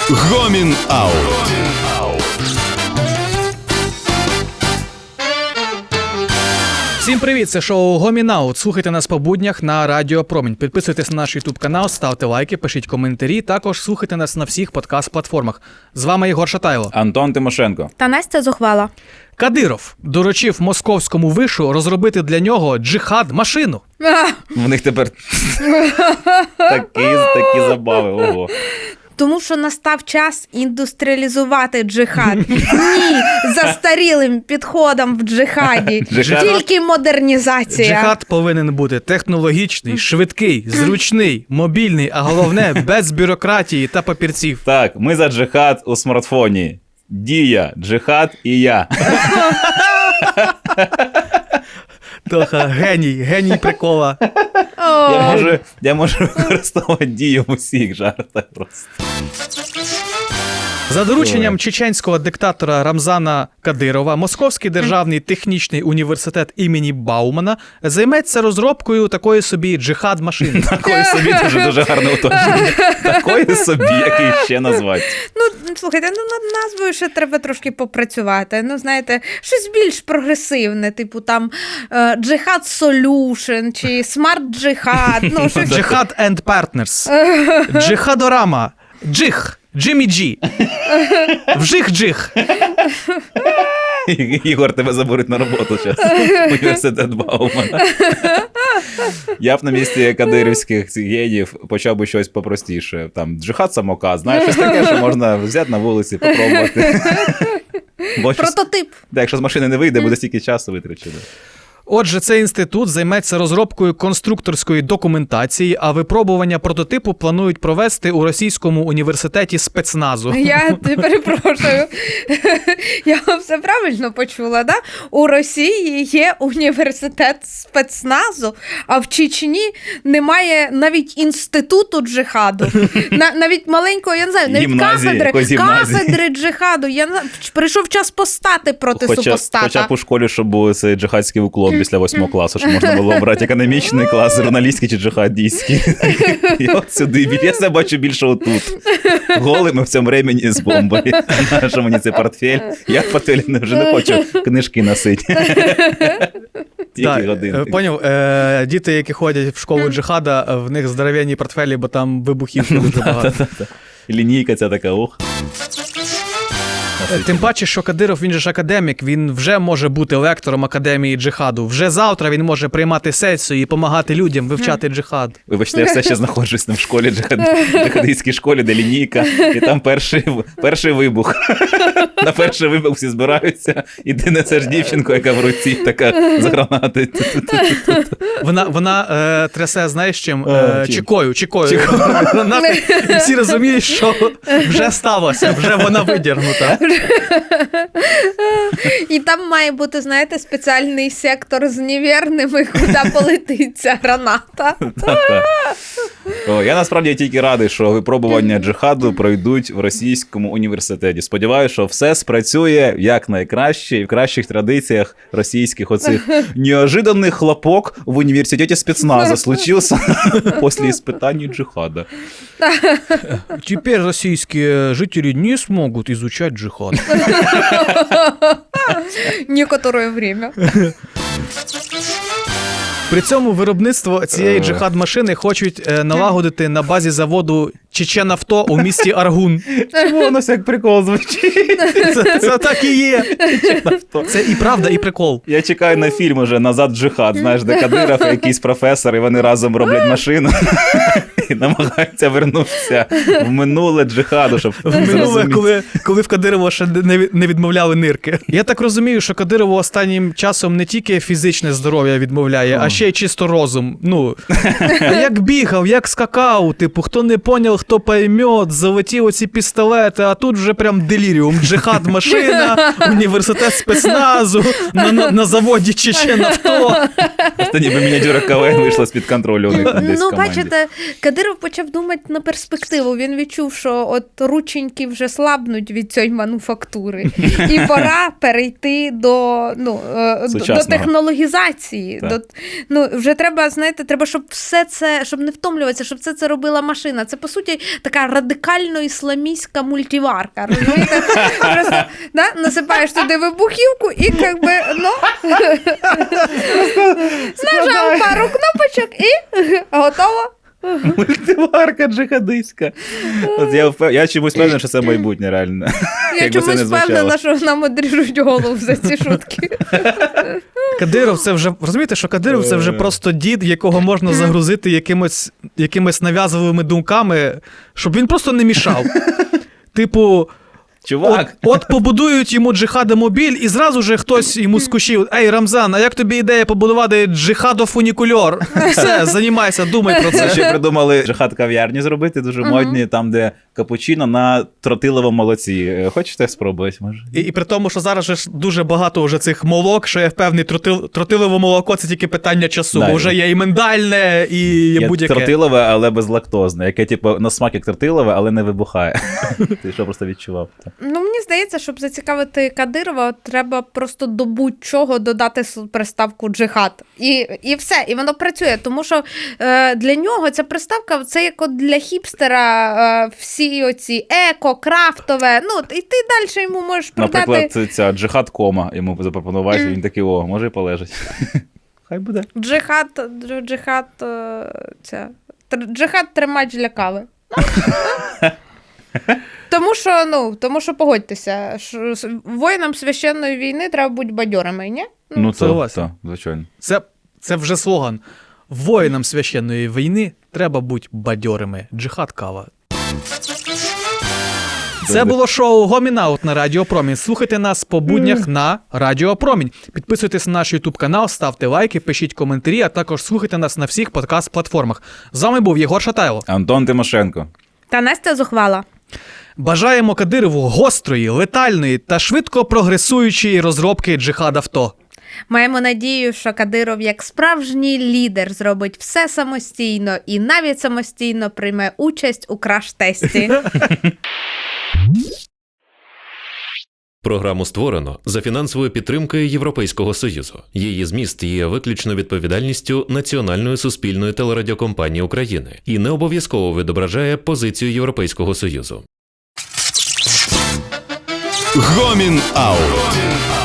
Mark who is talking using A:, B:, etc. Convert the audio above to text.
A: Гомін Аут.
B: Всім привіт, це шоу Гомін Аут. Слухайте нас по буднях на Радіо Промінь. Підписуйтесь на наш YouTube канал, ставте лайки, пишіть коментарі. Також слухайте нас на всіх подкаст-платформах. З вами Єгор Шатайло.
C: Антон Тимошенко.
D: Та Настя Зухвала.
B: Кадиров доручив московському вишу розробити для нього джихад-машину.
C: В них тепер такі забави, ого.
D: Тому що настав час індустріалізувати джихад. Ні, застарілим підходом в джихаді. Тільки модернізація.
B: Джихад повинен бути технологічний, швидкий, зручний, мобільний, а головне, без бюрократії та папірців.
C: Так, ми за джихад у смартфоні. Дія, джихад і я.
B: Тоха, геній прикола.
C: Я можу використовувати дію в усіх жартах просто.
B: За дорученням чеченського диктатора Рамзана Кадирова, Московський державний технічний університет імені Баумана займеться розробкою такої собі джихад-машини.
C: Такої собі дуже гарне уточнення. Такої собі, який ще назвати.
D: Ну, слухайте, над назвою ще треба трошки попрацювати. Ну, знаєте, щось більш прогресивне, типу там Джихад Solution чи Смарт Джихад. Ну, щось...
B: Джихад and Partners. Джихадорама. Джих. Джиммі Джі. Вжих-джих.
C: Ігор, тебе заберуть на роботу зараз. Університет Баумана. Я б на місці кадирівських генів почав би щось попростіше. Там джихад-самокат, знаєш, щось таке, що можна взяти на вулиці, попробувати.
D: Прототип.
C: Так, якщо з машини не вийде, буде стільки часу витрачено.
B: Отже, цей інститут займеться розробкою конструкторської документації, а випробування прототипу планують провести у Російському університеті спецназу.
D: Я перепрошую, я все правильно почула, да? У Росії є університет спецназу, а в Чечні немає навіть інституту джихаду. Навіть маленького, я не знаю, навіть кафедри джихаду. Прийшов час постати проти супостата.
C: Хоча б у школі, щоб був цей джихадський уклон після 8 класу, що можна було обрати економічний клас, журналістський чи джихадійський. І от сюди, я себе бачу більше отут. Голими в цьому ремені з бомбою. Що мені цей портфель? Я в портфелі вже не хочу книжки носити. Тільки годинки.
B: Поняв, діти, які ходять в школу джихада, в них здоровенні портфелі, бо там вибухівки дуже багато.
C: Лінійка ця така, ух.
B: Тим паче, що Кадиров, він же ж академік, він вже може бути лектором Академії джихаду. Вже завтра він може приймати сесію і допомагати людям вивчати джихад.
C: Вибачте, я все ще знаходжусь в школі, джихадистській школі, де лінійка, і там перший вибух. На перший вибух всі збираються, і ти несеш дівчинку, яка в руці така з гранати.
B: Вона трясе, знаєш чим? Чекою. І всі розуміють, що вже сталося, вже вона видірнута.
D: І там має бути, знаєте, спеціальний сектор з невірними, куди полетить ця граната.
C: Я насправді тільки радий, що випробування джихаду пройдуть в Російському університеті. Сподіваюся, що все спрацює як найкраще і в кращих традиціях російських оцих неожиданний хлопок в університеті спецназа случився після іспитання джихада.
B: Теперь российские жители не смогут изучать джихад.
D: Некоторое время.
B: При цьому виробництво цієї джихад-машини хочуть налагодити на базі заводу Чеченавто у місті Аргун.
C: Чому воно як прикол звучить?
B: Це так і є. Це і правда, і прикол.
C: Я чекаю на фільм уже «Назад джихад», знаєш, де Кадиров і якийсь професор, і вони разом роблять машину і намагаються вернутися в минуле джихаду, щоб
B: в минуле, коли в Кадирова ще не відмовляли нирки. Я так розумію, що Кадирову останнім часом не тільки фізичне здоров'я відмовляє, а ще й чисто розум. Ну, як бігав, як скакав, типу, хто не поняв, хто поймет, золоті оці пістолети, а тут вже прям деліріум. Джихад-машина, університет спецназу, на заводі Чеченавто.
C: Просто ніби мініатюра КВН вийшла з-під контролю у них десь в команді.
D: Бачите, Кадиров почав думати на перспективу. Він відчув, що от рученьки вже слабнуть від цієї мануфактури. І пора перейти до технологізації. Вже треба, знаєте, треба, щоб все це, щоб не втомлюватися, щоб все це робила машина. Це, по суті, суті, така радикально-ісламістська мультиварка. Розумієте? Просто насипаєш туди вибухівку і нажав пару кнопочок і готово.
C: Мультиварка джихадистська. От я чомусь впевнений, що це майбутнє, реально.
D: Я чомусь впевнена, що нам одріжуть голову за ці шутки.
B: Кадиров це вже, розумієте, що Кадиров це вже просто дід, якого можна загрузити якимись нав'язливими думками, щоб він просто не мішав. Типу,
C: чувак.
B: От побудують йому джихадомобіль, і зразу же хтось йому скучив: ей, Рамзан, а як тобі ідея побудувати джихадофунікульор? Все, займайся, думай про це.
C: Ще придумали джихад-кав'ярні зробити, дуже модні, там, де капучино на тротиловому молоці. Хочете спробувати, може?
B: І при тому, що зараз же ж дуже багато вже цих молок, що я впевнений, тротилове молоко – це тільки питання часу, бо вже є і миндальне, і є будь-яке.
C: Тротилове, але безлактозне, яке, типу, на смак як тротилове, але не вибухає. Ти що просто відчував?
D: Ну, мені здається, щоб зацікавити Кадирова, треба просто до будь-чого додати приставку джихад. І все, і воно працює, тому що для нього ця приставка, це як от для хіпстера всі оці еко, крафтове, ну, і ти далі йому можеш продати.
C: Наприклад, ця джихад-кома йому запропонувати, він такий: о, може і полежить. Хай буде.
D: Джихад-тримач для кави. Тому що погодьтеся, воїнам священної війни треба бути бадьорими, ні?
C: Ну,
B: це,
C: звичайно.
B: Це вже слоган. Воїнам священної війни треба бути бадьорими. Джихад кава. Це було шоу «Гомін-аут» на Радіо Промінь. Слухайте нас по буднях на Радіо Промінь. Підписуйтесь на наш YouTube канал, ставте лайки, пишіть коментарі, а також слухайте нас на всіх подкаст-платформах. З вами був Єгор Шатайло.
C: Антон Тимошенко.
D: Та Настя Зухвала.
B: Бажаємо Кадирову гострої, летальної та швидко прогресуючої розробки джихад-авто.
D: Маємо надію, що Кадиров як справжній лідер зробить все самостійно і навіть самостійно прийме участь у краш-тесті.
A: Програму створено за фінансовою підтримкою Європейського Союзу. Її зміст є виключно відповідальністю Національної суспільної телерадіокомпанії України і не обов'язково відображає позицію Європейського Союзу.
C: Гомін-аут.